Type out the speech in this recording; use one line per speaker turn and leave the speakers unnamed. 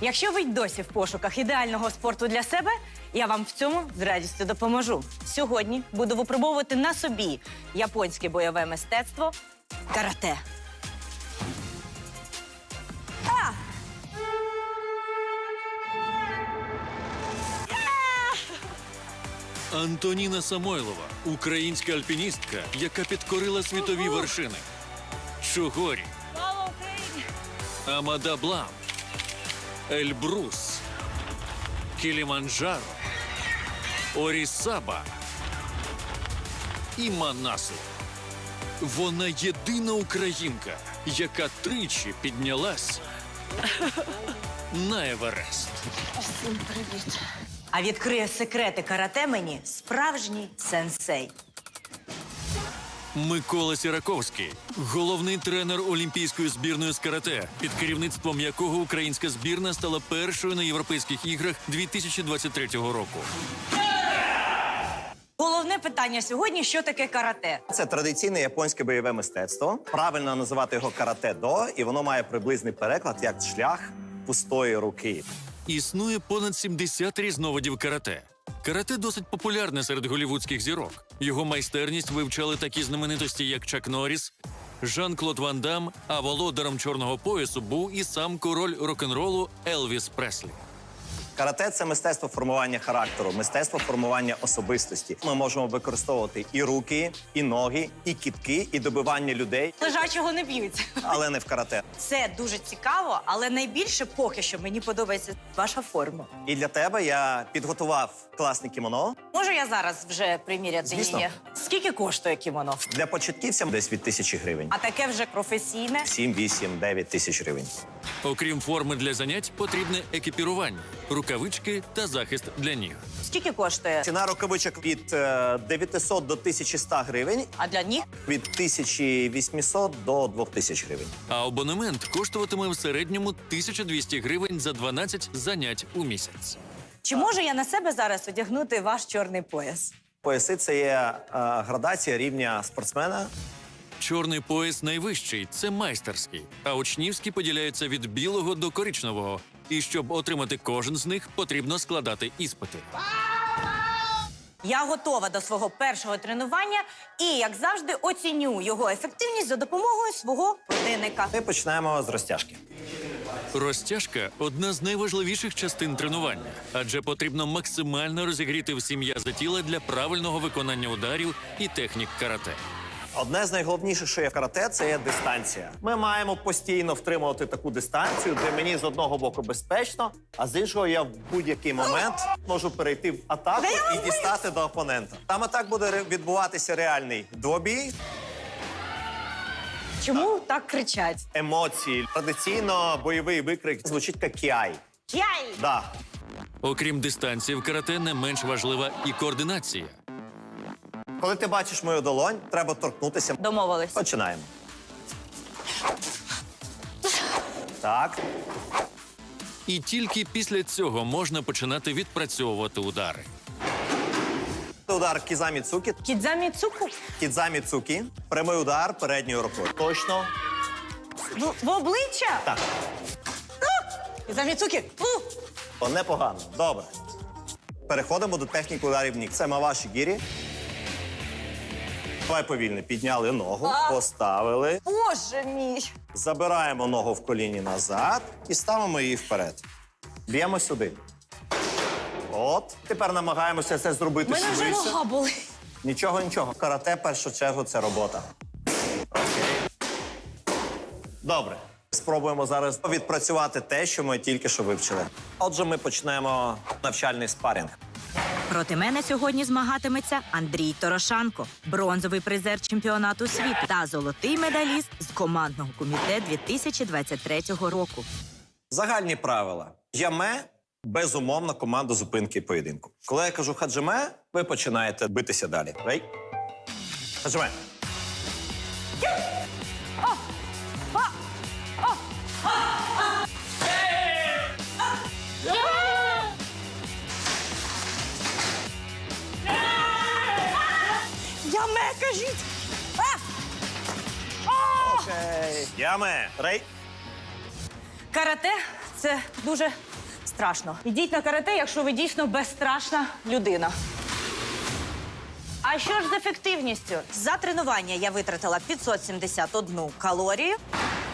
Якщо ви й досі в пошуках ідеального спорту для себе, я вам в цьому з радістю допоможу. Сьогодні буду випробовувати на собі японське бойове мистецтво карате.
Антоніна Самойлова – українська альпіністка, яка підкорила світові вершини. Чугорі,
Слава Україні!
Амада Блам, Ельбрус, Кіліманджаро, Орісаба і Манасло. Вона єдина українка, яка тричі піднялась на Еверест.
Всім привіт! А відкриє секрети карате мені справжній сенсей.
Микола Сіраковський – головний тренер олімпійської збірної з карате, під керівництвом якого українська збірна стала першою на Європейських іграх 2023 року.
Головне питання сьогодні – що таке карате?
Це традиційне японське бойове мистецтво. Правильно називати його карате-до, і воно має приблизний переклад як шлях пустої руки.
Існує понад 70 різновидів карате. Карате досить популярне серед голлівудських зірок. Його майстерність вивчали такі знаменитості, як Чак Норріс, Жан-Клод Ван Дам, а володарем чорного поясу був і сам король рок-н-ролу Елвіс Преслі.
Карате – це мистецтво формування характеру, мистецтво формування особистості. Ми можемо використовувати і руки, і ноги, і кітки, і добивання людей,
Лежачого не б'ються.
але не в карате.
Це дуже цікаво, але найбільше поки що мені подобається ваша форма.
І для тебе я підготував класне кімоно.
Можу я зараз вже приміряти
Звісно.
її? Скільки коштує кімоно?
Для початківців десь від 1000 гривень.
А таке вже професійне?
7, 8, 9 тисяч гривень.
Окрім форми для занять, потрібне екіпірування, рукавички та захист для ніг.
Скільки коштує?
Ціна рукавичок від 900 до 1100 гривень,
А для ніг?
від 1800 до 2000 гривень.
А абонемент коштуватиме в середньому 1200 гривень за 12 занять у місяць.
Чи можу я на себе зараз одягнути ваш чорний пояс?
Пояси – це є градація рівня спортсмена.
Чорний пояс найвищий – це майстерський, а учнівські поділяються від білого до коричневого. І щоб отримати кожен з них, потрібно складати іспити.
Я готова до свого першого тренування і, як завжди, оціню його ефективність за допомогою свого годинника.
Ми починаємо з розтяжки.
Розтяжка – одна з найважливіших частин тренування, адже потрібно максимально розігріти всі м'язи тіла для правильного виконання ударів і технік карате.
Одне з найголовніших, що є в карате, це є дистанція. Ми маємо постійно втримувати таку дистанцію, де мені з одного боку безпечно, а з іншого я в будь-який момент можу перейти в атаку і дістати до опонента. Там атак буде відбуватися реальний двобій,
Чому так кричать?
емоції. Традиційно бойовий викрик звучить як кіай.
Яй!
Да.
Окрім дистанції, в карате не менш важлива і координація.
Коли ти бачиш мою долонь, треба торкнутися.
Домовились.
Починаємо. Так.
І тільки після цього можна починати відпрацьовувати удари.
Удар кізамі цукі.
Кідзамі цуку?
Кідзамі цукі. Прямий удар передньою рукою. Точно.
В обличчя?
Так.
Кідзамі цуки?
О, непогано. Добре. Переходимо до техніки ударів ніг. Це маваші гірі. Давай повільно. Підняли ногу, поставили.
Боже мій!
Забираємо ногу в коліні назад і ставимо її вперед. Б'ємо сюди. От. Тепер намагаємося це зробити
Мене вже
швидше.
нога болить.
Нічого, нічого. Карате, в першу чергу, це робота. Окей. Добре. Спробуємо зараз відпрацювати те, що ми тільки що вивчили. Отже, ми почнемо навчальний спарінг.
Проти мене сьогодні змагатиметься Андрій Торошанко, бронзовий призер чемпіонату світу та золотий медаліст з командного комітету 2023 року.
Загальні правила. Яме – безумовно команда зупинки поєдинку. Коли я кажу хаджиме, ви починаєте битися далі. Рей? Хаджиме.
Яме, кажіть!
Окей. Яме. Рей.
Карате – це дуже страшно. Ідіть на карате, якщо ви дійсно безстрашна людина. А що ж з ефективністю? За тренування я витратила 571 калорію.